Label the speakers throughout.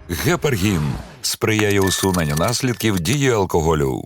Speaker 1: Гепаргін сприяє усуненню наслідків дії алкоголю.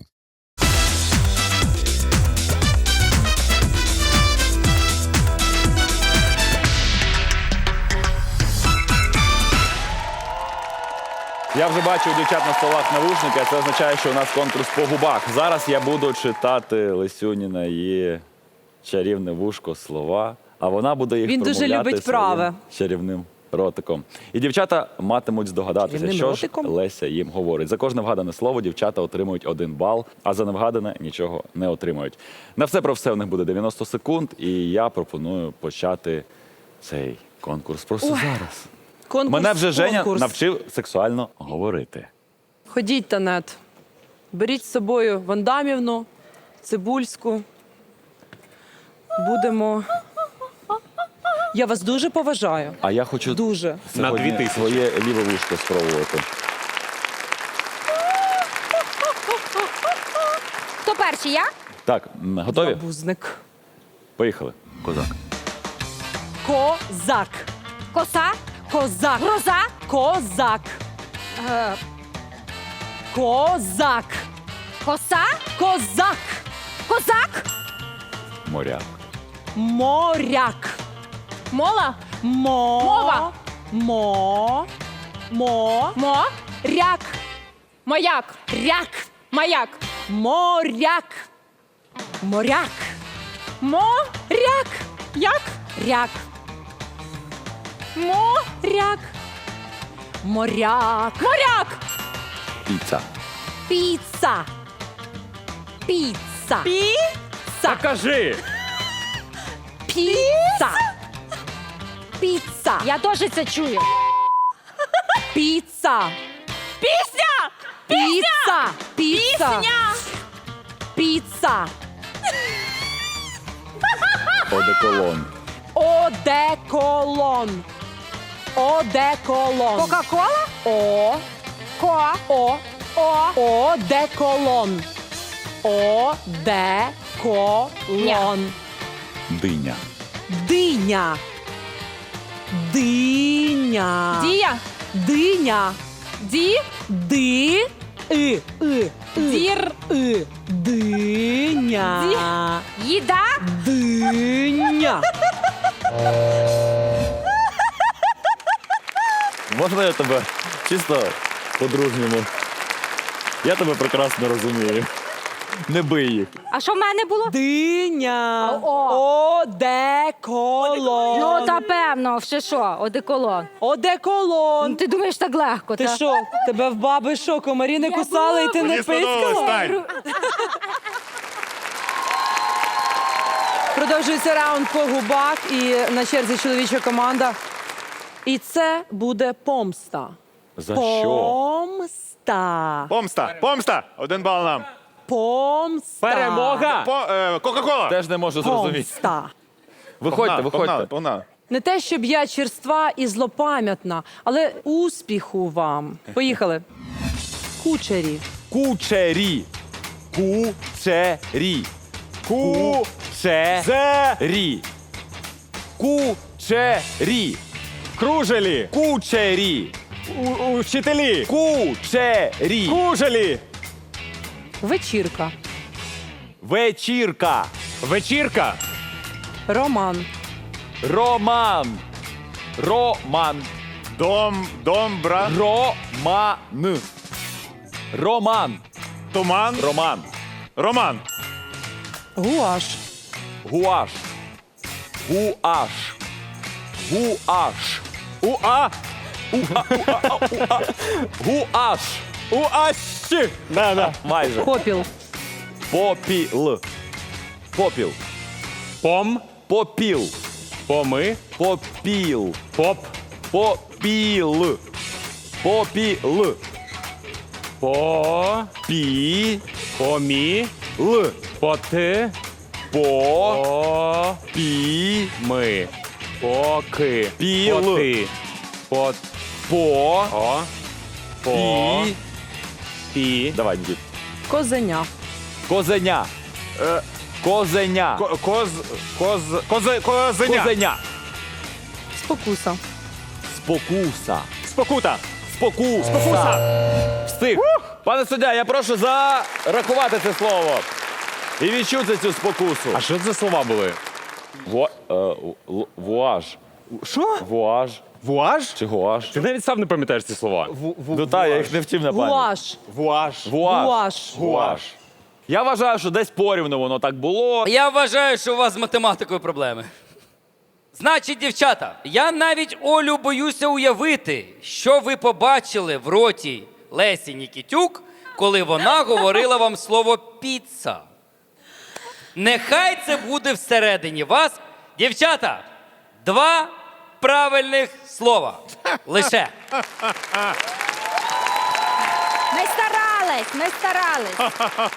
Speaker 2: Я вже бачу у дівчат на столах навушники, а це означає, що у нас конкурс по губах. Зараз я буду читати Лисюніна її чарівне вушко слова, а вона буде їх
Speaker 3: Він дуже
Speaker 2: промовляти
Speaker 3: любить
Speaker 2: своїм
Speaker 3: праве.
Speaker 2: чарівним ротиком. І дівчата матимуть здогадатися,
Speaker 3: Чарівним
Speaker 2: що
Speaker 3: ротиком?
Speaker 2: ж Леся їм говорить. За кожне вгадане слово дівчата отримують 1 бал, а за невгадане нічого не отримують. На все про все у них буде 90 секунд, і я пропоную почати цей конкурс просто зараз.
Speaker 3: Конкурс,
Speaker 2: Мене вже Женя
Speaker 3: конкурс.
Speaker 2: навчив сексуально говорити.
Speaker 3: Ходіть, Танет. Беріть з собою Вандамівну, Цибульську. Будемо... Я вас дуже поважаю.
Speaker 2: А я хочу
Speaker 3: Дуже.
Speaker 2: сьогодні
Speaker 4: На 2000.
Speaker 2: своє ліве вушко спробувати.
Speaker 5: Хто перший, я?
Speaker 2: Так, готові?
Speaker 3: Бузник.
Speaker 2: Поїхали. Козак.
Speaker 3: Козак.
Speaker 5: Коса?
Speaker 3: Козак.
Speaker 5: Гроза?
Speaker 3: Козак.
Speaker 5: Е,
Speaker 3: Козак.
Speaker 5: коса?
Speaker 3: Козак.
Speaker 5: Козак?
Speaker 2: Моряк.
Speaker 3: Моряк.
Speaker 5: Мола?
Speaker 3: Мова. Мо.
Speaker 5: Мо?
Speaker 3: Ряк.
Speaker 5: Маяк?
Speaker 3: Ряк.
Speaker 5: Маяк?
Speaker 3: Моряк. Моряк.
Speaker 5: Ряк? Як?
Speaker 3: Ряк. Моряк. Моряк.
Speaker 5: Моряк?
Speaker 2: Піца.
Speaker 3: Піца. Піца. Піца.
Speaker 4: Кажи!
Speaker 3: Піца. Піца.
Speaker 5: Я теж це чую.
Speaker 3: Піца.
Speaker 5: Пісня!
Speaker 3: Піца. Піца.
Speaker 5: Пісня!
Speaker 3: Піца.
Speaker 2: Одеколон.
Speaker 3: Одеколон. Одеколон.
Speaker 5: Кока-кола?
Speaker 3: О.
Speaker 5: Ко?
Speaker 3: О.
Speaker 5: О?
Speaker 3: Одеколон. Одеколон.
Speaker 2: Диня.
Speaker 3: Диня. Диня.
Speaker 5: Дія?
Speaker 3: Диня.
Speaker 5: Ді?
Speaker 3: Ди. И.
Speaker 5: Дір?
Speaker 3: И. Диня.
Speaker 5: Їда?
Speaker 3: Диня.
Speaker 2: Можна я тебе чисто по-дружньому? Я тебе прекрасно розумію. Не бий їх.
Speaker 5: А що в мене було?
Speaker 3: Диня.
Speaker 5: О.
Speaker 3: Одеколон.
Speaker 5: Ну, та певно, ще що, одеколон.
Speaker 3: Одеколон.
Speaker 5: Ти думаєш так легко,
Speaker 3: Ти
Speaker 5: та?
Speaker 3: що, тебе в баби що, комарі не кусали і ти не пискала? Продовжується раунд по губах і на черзі чоловіча команда. І це буде помста.
Speaker 2: За що?
Speaker 3: Помста.
Speaker 4: Помста! Помста! 1 бал нам.
Speaker 3: Помста.
Speaker 4: Перемога! Кока-кола!
Speaker 2: Теж не можу зрозуміти.
Speaker 3: Помста.
Speaker 2: Виходьте, виходьте.
Speaker 4: Погнали.
Speaker 3: Не те, щоб я черства і злопам'ятна, але успіху вам. Поїхали. Кучері.
Speaker 2: Кучері. Кучері. Кучері. Кучері.
Speaker 4: Кружелі!
Speaker 2: Кучері.
Speaker 4: Учителі!
Speaker 2: Кучері.
Speaker 4: Кружелі!
Speaker 3: Вечірка.
Speaker 2: Вечірка.
Speaker 4: Вечірка!
Speaker 3: Роман.
Speaker 2: Роман. Роман.
Speaker 4: Домбра!
Speaker 2: Роман. Роман.
Speaker 4: Туман!
Speaker 2: Роман.
Speaker 4: Роман!
Speaker 3: Гуаш.
Speaker 2: Гуаш. Гуаш. Гуаш.
Speaker 4: Уа!
Speaker 2: Гуаш.
Speaker 4: Уащі! Да.
Speaker 2: Майже.
Speaker 3: Попіл.
Speaker 2: Попіл. Попіл.
Speaker 4: Пом!
Speaker 2: Попіл.
Speaker 4: Поми!
Speaker 2: Попіл.
Speaker 4: Поп!
Speaker 2: Попіл. Попіл.
Speaker 4: По!
Speaker 2: Пі.
Speaker 4: Помі!
Speaker 2: Л.
Speaker 4: Поти!
Speaker 2: По.
Speaker 4: По!
Speaker 2: Пі.
Speaker 4: Ми! Поки!
Speaker 2: Піл.
Speaker 4: Поти! По!
Speaker 2: По.
Speaker 4: О! По!
Speaker 2: Пі.
Speaker 4: Пі!
Speaker 2: Давай, Нікіт.
Speaker 3: Козеня.
Speaker 2: Козеня. Козеня.
Speaker 4: Козеня!
Speaker 2: Козеня.
Speaker 3: Спокуса.
Speaker 2: Спокуса.
Speaker 4: Спокута!
Speaker 2: Спокуса. Встиг. Пане суддя, я прошу зарахувати це слово. І відчути цю спокусу.
Speaker 4: А що це за слова були?
Speaker 2: Вуаж.
Speaker 4: Що?
Speaker 2: Вуаж.
Speaker 4: Вуаж?
Speaker 2: Чи гуаш?
Speaker 4: Ти навіть сам не пам'ятаєш ці слова.
Speaker 2: Ну так, я їх не вчив на пам'ять.
Speaker 3: Гуаш.
Speaker 4: Вуаж.
Speaker 3: Гуаш.
Speaker 2: Гуаш. Я вважаю, що десь порівну воно так було.
Speaker 6: Я вважаю, що у вас з математикою проблеми. Значить, дівчата, я навіть Олю боюся уявити, що ви побачили в роті Лесі Нікітюк, коли вона говорила вам слово «піца». Нехай це буде всередині вас. Дівчата, 2 правильних слова. Лише.
Speaker 5: Ми старались.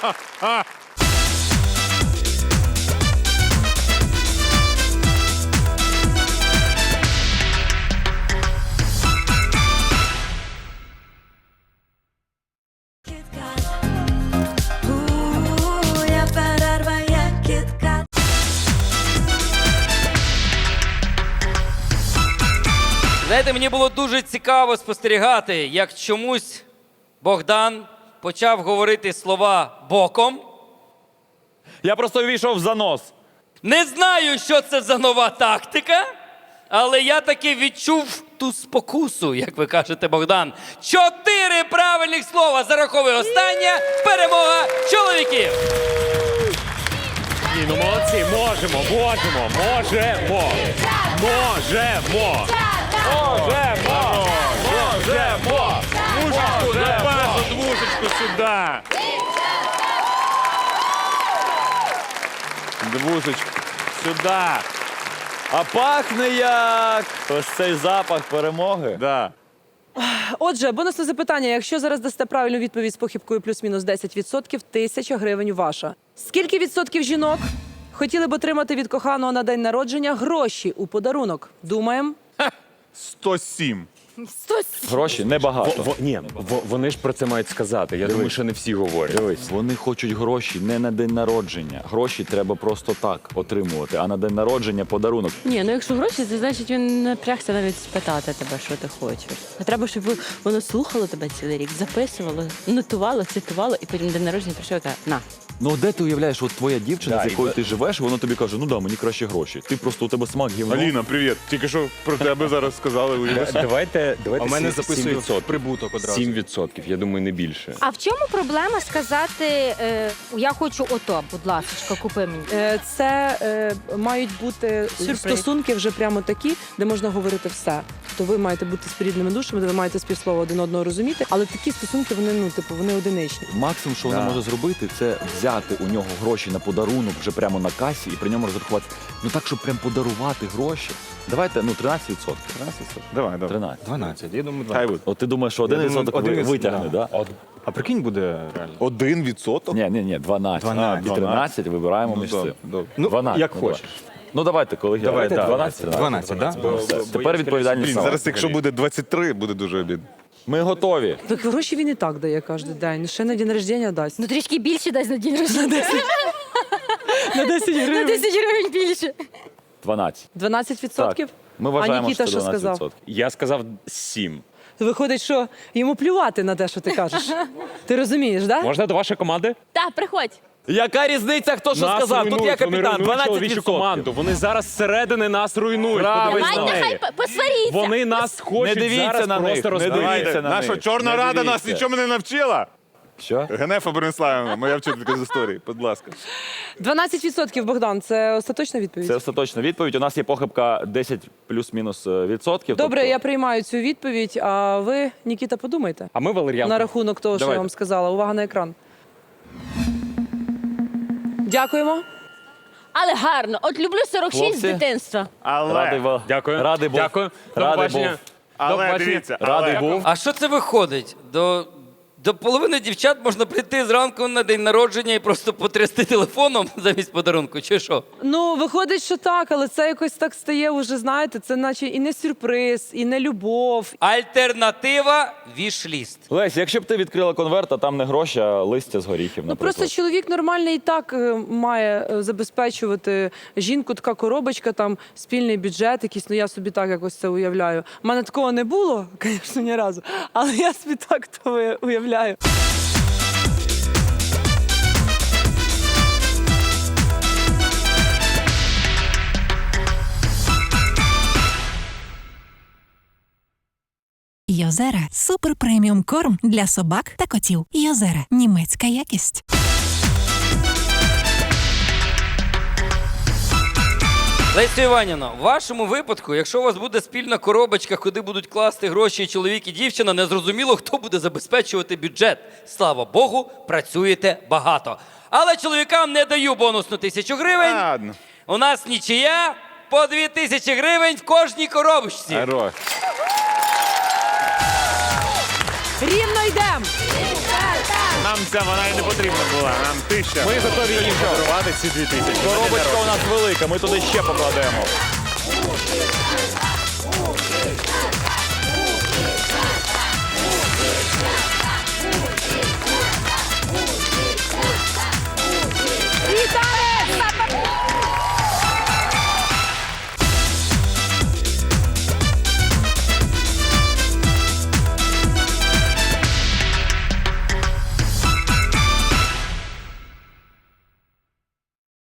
Speaker 6: Знаєте, мені було дуже цікаво спостерігати, як чомусь Богдан почав говорити слова боком.
Speaker 2: Я просто ввійшов в занос.
Speaker 6: Не знаю, що це за нова тактика, але я таки відчув ту спокусу, як ви кажете, Богдан. 4 правильних слова зараховує останнє. Перемога чоловіків!
Speaker 4: Ні, ну молодці, можемо. Двушечку сюди.
Speaker 2: Двушечку.
Speaker 4: Сюди.
Speaker 2: А пахне як ось цей запах перемоги.
Speaker 4: Да.
Speaker 3: Отже, бонусне запитання. Якщо зараз дасте правильну відповідь з похибкою плюс-мінус 10%, 1000 гривень ваша. Скільки відсотків жінок хотіли б отримати від коханого на день народження гроші у подарунок? Думаємо.
Speaker 7: 107.
Speaker 2: Гроші небагато.
Speaker 4: Вони ж про це мають сказати. Я думаю, що не всі говорять.
Speaker 2: Дивись, вони хочуть гроші не на день народження. Гроші треба просто так отримувати, а на день народження подарунок.
Speaker 8: Ні, ну якщо гроші, це значить він напрягся навіть спитати тебе, що ти хочеш. А треба, щоб воно слухало тебе цілий рік, записувало, нотувало, цитувало, і потім день народження прийшов і каже, на.
Speaker 2: Ну де ти уявляєш, от твоя дівчина, з якою ти живеш, вона тобі каже, ну да, мені краще гроші. Ти просто у тебе смак гівно.
Speaker 7: Аліна, привіт. Тільки що про тебе зараз сказали. уяви.
Speaker 4: Давайте
Speaker 7: А в мене
Speaker 4: 7%.
Speaker 7: записують прибуток одразу.
Speaker 4: 7%, я думаю, не більше.
Speaker 5: А в чому проблема сказати, я хочу ото, будь ласка, купи мені?
Speaker 3: Це мають бути стосунки вже прямо такі, де можна говорити все. Тобто ви маєте бути спорідними душами, де ви маєте співслово один одного розуміти, але такі стосунки, вони, ну, типу, вони одиничні.
Speaker 2: Максимум, що вона може зробити, це взяти у нього гроші на подарунок вже прямо на касі і при ньому розрахувати. Ну так, щоб прям подарувати гроші. Давайте, 13%. 13%?
Speaker 7: Давай.
Speaker 2: 13.
Speaker 7: 12. Я думаю,
Speaker 2: Хай буде. От ти думаєш, що 1% витягне, да?
Speaker 7: А прикинь, буде реально. 1%?
Speaker 2: Ні, 12.
Speaker 7: 12.
Speaker 2: І 13 вибираємо між цим.
Speaker 7: Ну,
Speaker 2: 12.
Speaker 7: як
Speaker 2: ну,
Speaker 7: хочеш.
Speaker 2: Ну давайте, колеги.
Speaker 7: Давай, да.
Speaker 2: 12.
Speaker 7: 12, да?
Speaker 2: Все. Тепер відповідальність.
Speaker 7: Блін,
Speaker 2: сама.
Speaker 7: зараз якщо буде 23, буде дуже обідно.
Speaker 2: Ми готові.
Speaker 3: Так гроші він і так дає кожен день. Ще на день народження дасть.
Speaker 5: Ну трішки більше дасть на день рождення.
Speaker 3: На 10
Speaker 5: На
Speaker 3: гривень.
Speaker 5: 10 гривень більше.
Speaker 2: 12.
Speaker 3: 12%?
Speaker 2: Так. Ми вважаємо,
Speaker 3: а Нікіта
Speaker 2: що це
Speaker 3: що
Speaker 2: 12%.
Speaker 3: сказав?
Speaker 4: Я сказав 7.
Speaker 3: Виходить, що йому плювати на те, що ти кажеш. Ти розумієш, так? Да?
Speaker 4: Можна до вашої команди?
Speaker 8: Так, приходь.
Speaker 2: Яка різниця, хто що
Speaker 4: Нас
Speaker 2: сказав? Тут
Speaker 4: руйнують,
Speaker 2: я
Speaker 4: вони
Speaker 2: капітан,
Speaker 4: руйнують чоловічу
Speaker 2: 12%.
Speaker 4: команду. Вони зараз зсередини нас руйнують.
Speaker 2: Правильно.
Speaker 4: Подивись на
Speaker 8: Давайте
Speaker 4: неї.
Speaker 8: хай посваріться.
Speaker 4: Вони нас хочуть
Speaker 2: Не дивіться
Speaker 4: зараз
Speaker 2: на них,
Speaker 4: просто
Speaker 2: не
Speaker 4: розбити.
Speaker 2: дивіться на
Speaker 7: Наша
Speaker 2: них.
Speaker 7: Чорна
Speaker 2: Не
Speaker 7: Рада нас
Speaker 2: дивіться.
Speaker 7: нічому не навчила.
Speaker 2: Що?
Speaker 7: Генефа Бориславівна, моя вчителька з історії, будь ласка.
Speaker 3: 12%, Богдан, це остаточна відповідь?
Speaker 2: Це остаточна відповідь. У нас є похибка 10 плюс-мінус відсотків.
Speaker 3: Добре,
Speaker 2: тобто-
Speaker 3: я приймаю цю відповідь, а ви, Нікіта, подумайте.
Speaker 4: А ми Валер'янку.
Speaker 3: На рахунок того, що я
Speaker 2: Давайте.
Speaker 3: вам сказала. Увага на екран. Дякуємо.
Speaker 8: Але гарно. От люблю 46
Speaker 2: Хлопці.
Speaker 8: з дитинства.
Speaker 2: Радий був.
Speaker 4: Дякую.
Speaker 2: Радий був.
Speaker 4: Дякую. До
Speaker 2: Радий
Speaker 4: побачення.
Speaker 2: був.
Speaker 4: До
Speaker 7: Але
Speaker 4: побачення.
Speaker 7: дивіться,
Speaker 2: Радий був.
Speaker 6: А що це виходить? До До половини дівчат можна прийти зранку на день народження і просто потрясти телефоном замість подарунку, чи що?
Speaker 3: Ну, виходить, що так, але це якось так стає уже, знаєте, це наче і не сюрприз, і не любов.
Speaker 6: Альтернатива – вішліст.
Speaker 2: Лесь, якщо б ти відкрила конверт, а там не гроші, а листя з горіхів,
Speaker 3: Ну
Speaker 2: наприклад.
Speaker 3: просто чоловік нормальний і так має забезпечувати жінку, така коробочка, там спільний бюджет якийсь, ну я собі так якось це уявляю. У мене такого не було, звісно, ні разу, але я собі так то уявляю.
Speaker 9: Йозера – супер преміум корм для собак та котів. Йозера – німецька якість.
Speaker 6: Лесю Іванівно, в вашому випадку, якщо у вас буде спільна коробочка, куди будуть класти гроші і чоловік і дівчина, незрозуміло, хто буде забезпечувати бюджет. Слава Богу, працюєте багато. Але чоловікам не даю бонусну 1000 гривень.
Speaker 7: Ладно.
Speaker 6: У нас нічия, по 2000 гривень в кожній коробочці.
Speaker 7: Хорош.
Speaker 3: Рівно йдемо!
Speaker 7: Нам ця вона і не потрібна була, нам 1000.
Speaker 2: Ми готові їм подарувати ці 2000. Коробочка у нас велика, ми туди ще покладемо.